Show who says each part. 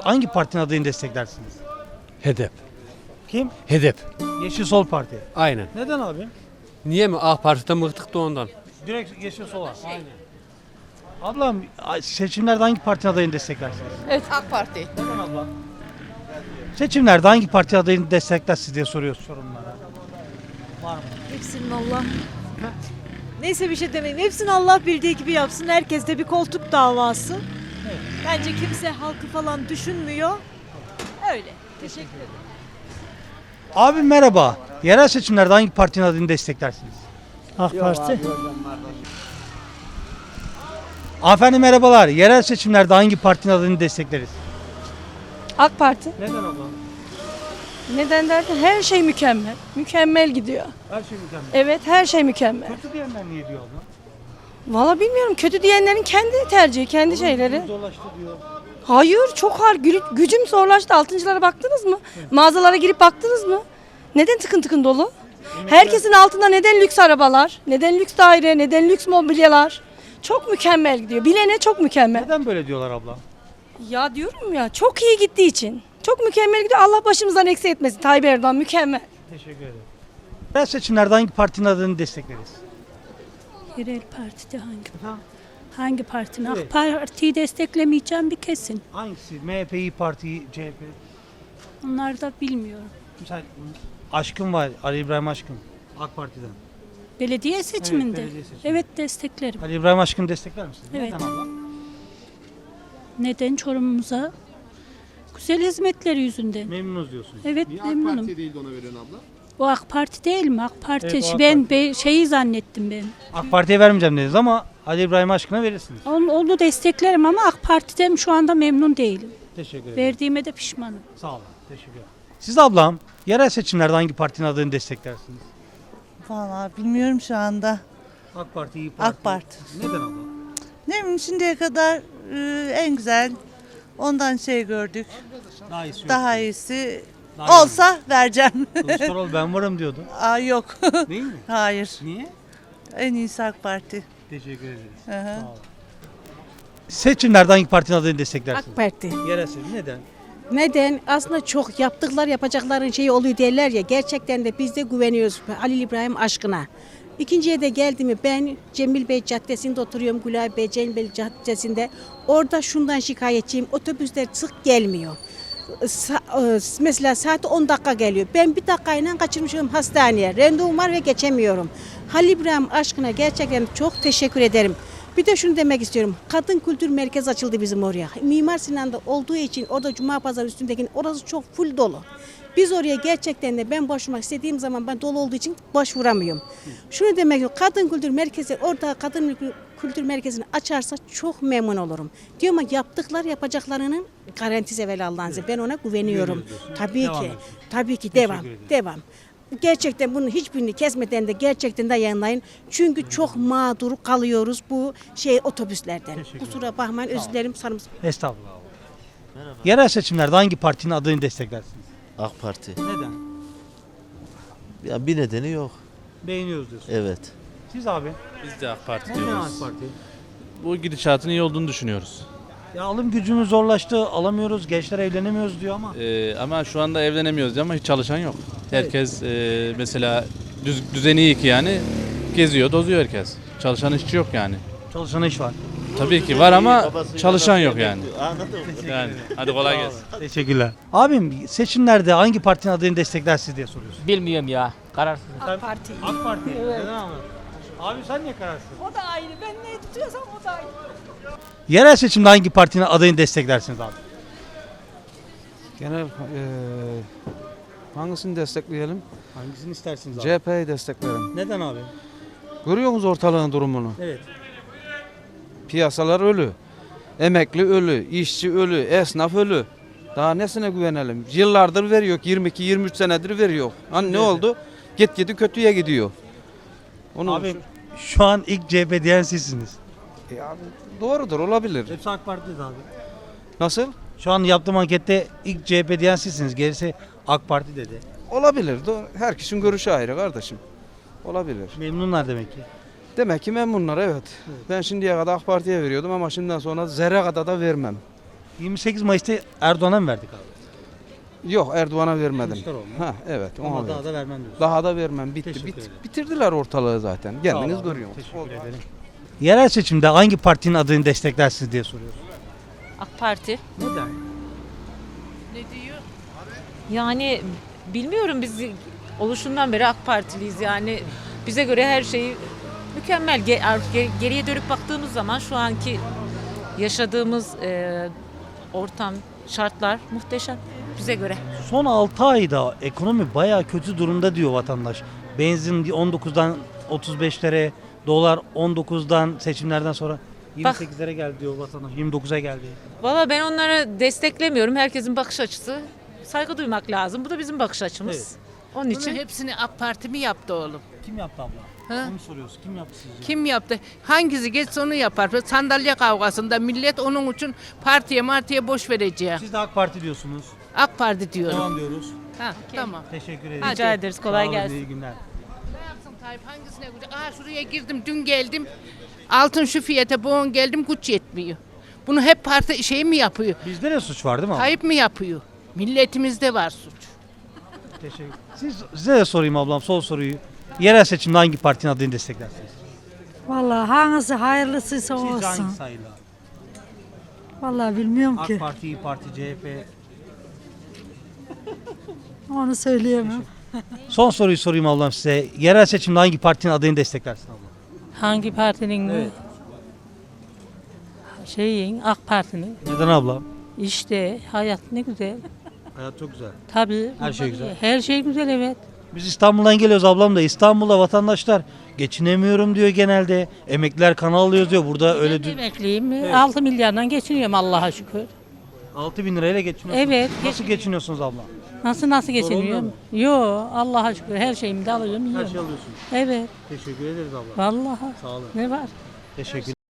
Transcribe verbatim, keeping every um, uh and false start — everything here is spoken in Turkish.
Speaker 1: hangi partinin adayını desteklersiniz?
Speaker 2: Hedef.
Speaker 1: Kim?
Speaker 2: Hedef.
Speaker 1: Yeşil Sol Parti.
Speaker 2: Aynen.
Speaker 1: Neden abi?
Speaker 2: Niye mi? AK Parti'den bıktık da ondan.
Speaker 1: Direkt Yeşil Sol'a. Aynen. Ablam seçimlerde hangi partinin adayını desteklersiniz?
Speaker 3: Evet, AK Parti.
Speaker 1: Neden ablam? Seçimlerde hangi parti adayını desteklersiniz diye soruyoruz sorunlara. Var mı?
Speaker 4: Hepsinin Allah. Neyse bir şey demeyeyim. Hepsini Allah bildiği gibi yapsın. Herkes de bir koltuk davası.
Speaker 1: Evet.
Speaker 4: Bence kimse halkı falan düşünmüyor. Öyle. Teşekkür ederim.
Speaker 1: Abi merhaba. Yerel seçimlerde hangi partinin adayını desteklersiniz?
Speaker 5: AK Parti.
Speaker 1: Hanımefendi merhabalar. Yerel seçimlerde hangi partinin adayını destekleriz?
Speaker 6: AK Parti.
Speaker 1: Neden ablam?
Speaker 6: Neden derken her şey mükemmel. Mükemmel gidiyor.
Speaker 1: Her şey mükemmel.
Speaker 6: Evet, her şey mükemmel.
Speaker 1: Kötü diyenler niye diyor abla?
Speaker 6: Valla bilmiyorum, kötü diyenlerin kendi tercihi, kendi şeyleri.
Speaker 1: Zorlaştı diyor.
Speaker 6: Hayır, çok har gü- gücüm zorlaştı. Altıncılara baktınız mı? Mağazalara girip baktınız mı? Neden tıkın tıkın dolu? Herkesin altında neden lüks arabalar, neden lüks daire, neden lüks mobilyalar? Çok mükemmel gidiyor. Bilene çok mükemmel.
Speaker 1: Neden böyle diyorlar abla?
Speaker 6: Ya diyorum ya, çok iyi gittiği için. Çok mükemmel gidiyor. Allah başımızdan eksik etmesin. Tayyip Erdoğan mükemmel.
Speaker 1: Teşekkür ederim. Yerel seçimlerde hangi partinin adayını destekleriz?
Speaker 7: Yerel partide hangi
Speaker 1: Ha?
Speaker 7: hangi partinin?
Speaker 1: Evet.
Speaker 7: AK Parti'yi desteklemeyeceğim bir kesin.
Speaker 1: Hangisi? M H P, İYİ Parti, C H P.
Speaker 7: Onları da bilmiyorum.
Speaker 1: Mesela Aşkın var. Ali İbrahim Aşkın. AK Parti'den.
Speaker 7: Belediye seçiminde.
Speaker 1: belediye seçiminde.
Speaker 7: Evet, desteklerim.
Speaker 1: Ali İbrahim Aşkın'ı destekler misiniz?
Speaker 7: Evet.
Speaker 1: Neden abla?
Speaker 7: Neden? Çorumumuza güzel hizmetleri yüzünden.
Speaker 1: Memnunuz diyorsunuz.
Speaker 7: Evet,
Speaker 8: Niye AK
Speaker 7: memnunum.
Speaker 8: Parti'ye değil de ona veriyorsun abla?
Speaker 7: O AK Parti değil mi? AK Parti.
Speaker 1: Evet, o AK
Speaker 7: ben
Speaker 1: Parti.
Speaker 7: be- şeyi zannettim ben.
Speaker 1: AK Parti'ye vermeyeceğim dediniz ama Ali İbrahim Aşkın'a verirsiniz.
Speaker 7: Onu, onu desteklerim ama AK Parti'den şu anda memnun değilim.
Speaker 1: Teşekkür ederim.
Speaker 7: Verdiğime de pişmanım.
Speaker 1: Sağ olun. Teşekkür ederim. Siz ablam yerel seçimlerde hangi partinin adayını desteklersiniz?
Speaker 9: Vallahi bilmiyorum şu anda.
Speaker 1: AK Parti, İYİ Parti.
Speaker 9: AK Parti.
Speaker 1: Neden abla?
Speaker 9: Ne bileyim şimdiye kadar e, en güzel ondan şey gördük.
Speaker 1: Daha iyisi yok.
Speaker 9: Daha iyisi
Speaker 1: Daha iyi.
Speaker 9: olsa vereceğim.
Speaker 1: Kılıçdaroğlu ben varım diyordu.
Speaker 9: Aa yok.
Speaker 1: Değil mi?
Speaker 9: Hayır.
Speaker 1: Niye?
Speaker 9: En iyisi AK Parti.
Speaker 1: Teşekkür ederiz.
Speaker 9: Hı hı.
Speaker 1: Sağ olun. Seçimlerde hangi partinin adayını desteklersiniz?
Speaker 10: AK Parti.
Speaker 1: Yerel seçim. Neden?
Speaker 10: Neden? Aslında çok yaptıklar yapacakların şeyi oluyor derler ya. Gerçekten de biz de güveniyoruz Halil İbrahim aşkına. İkinciye de geldi mi ben Cemil Bey Caddesi'nde oturuyorum. Gülay Bey Cemil Bey Caddesi'nde. Orada şundan şikayetçiyim. Otobüsler sık gelmiyor. Sa- e, mesela saat on dakika geliyor. Ben bir dakikayla kaçırmışım hastaneye. Randevum var ve geçemiyorum. Halil İbrahim aşkına gerçekten çok teşekkür ederim. Bir de şunu demek istiyorum. Kadın Kültür Merkezi açıldı bizim oraya. Mimar Sinan'da olduğu için orada Cuma Pazarı üstündeki orası çok full dolu. Biz oraya gerçekten de ben başvurmak istediğim zaman ben dolu olduğu için başvuramıyorum. Şunu demek istiyorum. Kadın Kültür Merkezi orada Kadın Kültür Merkezi'ni açarsa çok memnun olurum. Diyorum ama yaptıklar yapacaklarının garantisi evvel Allah'ın izniyle. Ben ona güveniyorum. Tabii
Speaker 1: Devam
Speaker 10: ki.
Speaker 1: ediyorsun.
Speaker 10: Tabii ki
Speaker 1: Teşekkür
Speaker 10: devam.
Speaker 1: ederim.
Speaker 10: Devam. Gerçekten bunun hiçbirini kesmeden de gerçekten de yayınlayın. Çünkü çok mağdur kalıyoruz bu şey otobüslerden.
Speaker 1: Teşekkür
Speaker 10: Kusura bakmayın özür dilerim sarımsak.
Speaker 1: Estağfurullah. Yerel seçimlerde hangi partinin adayını desteklersiniz?
Speaker 11: AK Parti.
Speaker 1: Neden?
Speaker 11: Ya bir nedeni yok.
Speaker 1: Beğeniyoruz diyorsunuz.
Speaker 11: Evet.
Speaker 1: Siz abi?
Speaker 12: Biz de AK Parti
Speaker 1: Neden
Speaker 12: diyoruz.
Speaker 1: AK Parti?
Speaker 12: Bu gidişatın iyi olduğunu düşünüyoruz.
Speaker 1: Ya alım gücümüz zorlaştı, alamıyoruz, gençler evlenemiyoruz diyor ama.
Speaker 12: Ee, ama şu anda evlenemiyoruz ama hiç çalışan yok. Herkes e, mesela düz, düzeni iyi ki yani geziyor, dozuyor herkes. Çalışan işçi yok yani.
Speaker 1: Çalışan iş var.
Speaker 12: Tabii ki var ama çalışan yok yani.
Speaker 11: Anladın mı?
Speaker 12: Yani hadi kolay gelsin.
Speaker 1: Teşekkürler. Abim seçimlerde hangi partinin adayını desteklersiniz diye soruyorsun.
Speaker 5: Bilmiyorum ya. Kararsız.
Speaker 1: AK Parti. AK Parti. Neden abi? Abi sen niye kararsın?
Speaker 4: O da aynı. Ben ne tutuyorsam o da aynı.
Speaker 1: Yerel seçimde hangi partinin adayını desteklersiniz abi?
Speaker 13: Genel eee hangisini destekleyelim?
Speaker 1: Hangisini istersiniz abi?
Speaker 13: C H P'yi desteklerim.
Speaker 1: Neden abi?
Speaker 13: Görüyor musunuz ortalığın durumunu?
Speaker 1: Evet.
Speaker 13: Piyasalar ölü. Emekli ölü, işçi ölü, esnaf ölü. Daha nesine güvenelim? Yıllardır veriyor, yirmi iki yirmi üç senedir veriyor. Hani ne
Speaker 1: Evet.
Speaker 13: oldu? Git gidi kötüye gidiyor. Onu
Speaker 1: Abi şu an ilk C H P diyen sizsiniz.
Speaker 13: E abi, doğrudur, olabilir.
Speaker 1: Hepsi AK Parti'de abi.
Speaker 13: Nasıl?
Speaker 1: Şu an yaptığım ankette ilk C H P diyen sizsiniz. Gerisi AK Parti dedi.
Speaker 13: Olabilir. Doğru. Herkesin görüşü ayrı kardeşim. Olabilir.
Speaker 1: Memnunlar demek ki.
Speaker 13: Demek ki memnunlar, evet. Ben şimdiye kadar AK Parti'ye veriyordum ama şimdiden sonra zerre kadar da vermem.
Speaker 1: yirmi sekiz Mayıs'ta Erdoğan'a mı verdik abi?
Speaker 13: Yok Erdoğan'a vermedim.
Speaker 1: Kılıçdaroğlu.
Speaker 13: Ha evet ona
Speaker 1: Ama
Speaker 13: verdim.
Speaker 1: daha da vermem diyorsun.
Speaker 13: Daha da vermem bitti.
Speaker 1: Teşekkür
Speaker 13: Bit-
Speaker 1: ederim.
Speaker 13: bitirdiler ortalığı zaten.
Speaker 1: Sağ ol
Speaker 13: Kendiniz
Speaker 1: abi,
Speaker 13: görüyorsunuz.
Speaker 1: Teşekkür ederim. Yerel seçimde hangi partinin adını desteklersiniz diye soruyoruz.
Speaker 3: AK Parti.
Speaker 1: Neden?
Speaker 3: Yani bilmiyorum biz oluşundan beri AK Partiliyiz yani bize göre her şeyi mükemmel. Ge- ge- Geriye dönüp baktığımız zaman şu anki yaşadığımız e, ortam, şartlar muhteşem bize göre.
Speaker 1: Son altı ayda ekonomi bayağı kötü durumda diyor vatandaş. Benzin on dokuzdan otuz beşlere, dolar on dokuzdan seçimlerden sonra yirmi sekizlere geldi diyor vatandaş. yirmi dokuza geldi.
Speaker 3: Valla ben onları desteklemiyorum. Herkesin bakış açısı. Saygı duymak lazım. Bu da bizim bakış açımız.
Speaker 1: Evet.
Speaker 3: Onun için
Speaker 8: hepsini AK Parti mi yaptı oğlum?
Speaker 1: Kim yaptı abla?
Speaker 8: Ha?
Speaker 1: Onu soruyoruz. Kim yaptı sizce?
Speaker 8: Kim yaptı? Hangisi geçse onu yapar. Sandalye kavgasında millet onun için partiye martiye boş verecek.
Speaker 1: Siz de AK Parti diyorsunuz.
Speaker 8: AK Parti diyorum.
Speaker 1: Devam diyoruz.
Speaker 8: Ha, tamam.
Speaker 1: Teşekkür ederim.
Speaker 3: rica ederiz. Kolay
Speaker 1: Sağ olun,
Speaker 3: gelsin.
Speaker 1: İyi günler.
Speaker 8: Ne yapsın Tayyip hangisine gücü? Aha şuraya girdim dün geldim. Altın şu fiyata boğun geldim güç yetmiyor. Bunu hep parti şey mi yapıyor?
Speaker 1: Bizde de suç var değil mi abla?
Speaker 8: Tayyip mi yapıyor? Milletimizde var suç.
Speaker 1: Teşekkür. Siz, size de sorayım ablam son soruyu. Yerel seçimde hangi partinin adını desteklersiniz?
Speaker 7: Vallahi hangisi hayırlısıysa
Speaker 1: Sizce
Speaker 7: olsun.
Speaker 1: hangi sayılar?
Speaker 7: Vallahi bilmiyorum
Speaker 1: AK
Speaker 7: ki.
Speaker 1: Parti, İYİ Parti, C H P.
Speaker 7: Onu söyleyemem.
Speaker 1: Son soruyu sorayım ablam size. Yerel seçimde hangi partinin adını desteklersin abla?
Speaker 7: Hangi partinin
Speaker 1: Evet.
Speaker 7: Şeyin AK Parti'nin
Speaker 1: Neden ablam?
Speaker 7: işte hayat ne güzel.
Speaker 1: Hayat çok güzel.
Speaker 7: Tabii.
Speaker 1: Her şey güzel.
Speaker 7: Her şey güzel evet.
Speaker 1: Biz İstanbul'dan geliyoruz ablam da. İstanbul'da vatandaşlar geçinemiyorum diyor genelde. Emekliler kan alıyoruz diyor. Burada öyle
Speaker 7: Ben
Speaker 1: dü-
Speaker 7: emekliyim.
Speaker 1: Evet.
Speaker 7: altı milyardan geçiniyorum Allah'a şükür.
Speaker 1: altı bin lirayla geçiniyorsunuz.
Speaker 7: Evet,
Speaker 1: Nasıl geçiniyorsunuz ablam?
Speaker 7: Nasıl nasıl
Speaker 1: olmuyor
Speaker 7: geçiniyorum? Yo Allah'a şükür her şeyimi de alıyorum
Speaker 1: Her
Speaker 7: yiyorum.
Speaker 1: şey alıyorsunuz.
Speaker 7: Evet.
Speaker 1: Teşekkür ederiz abla.
Speaker 7: Vallahi.
Speaker 1: Sağ olun.
Speaker 7: Ne var?
Speaker 1: Teşekkür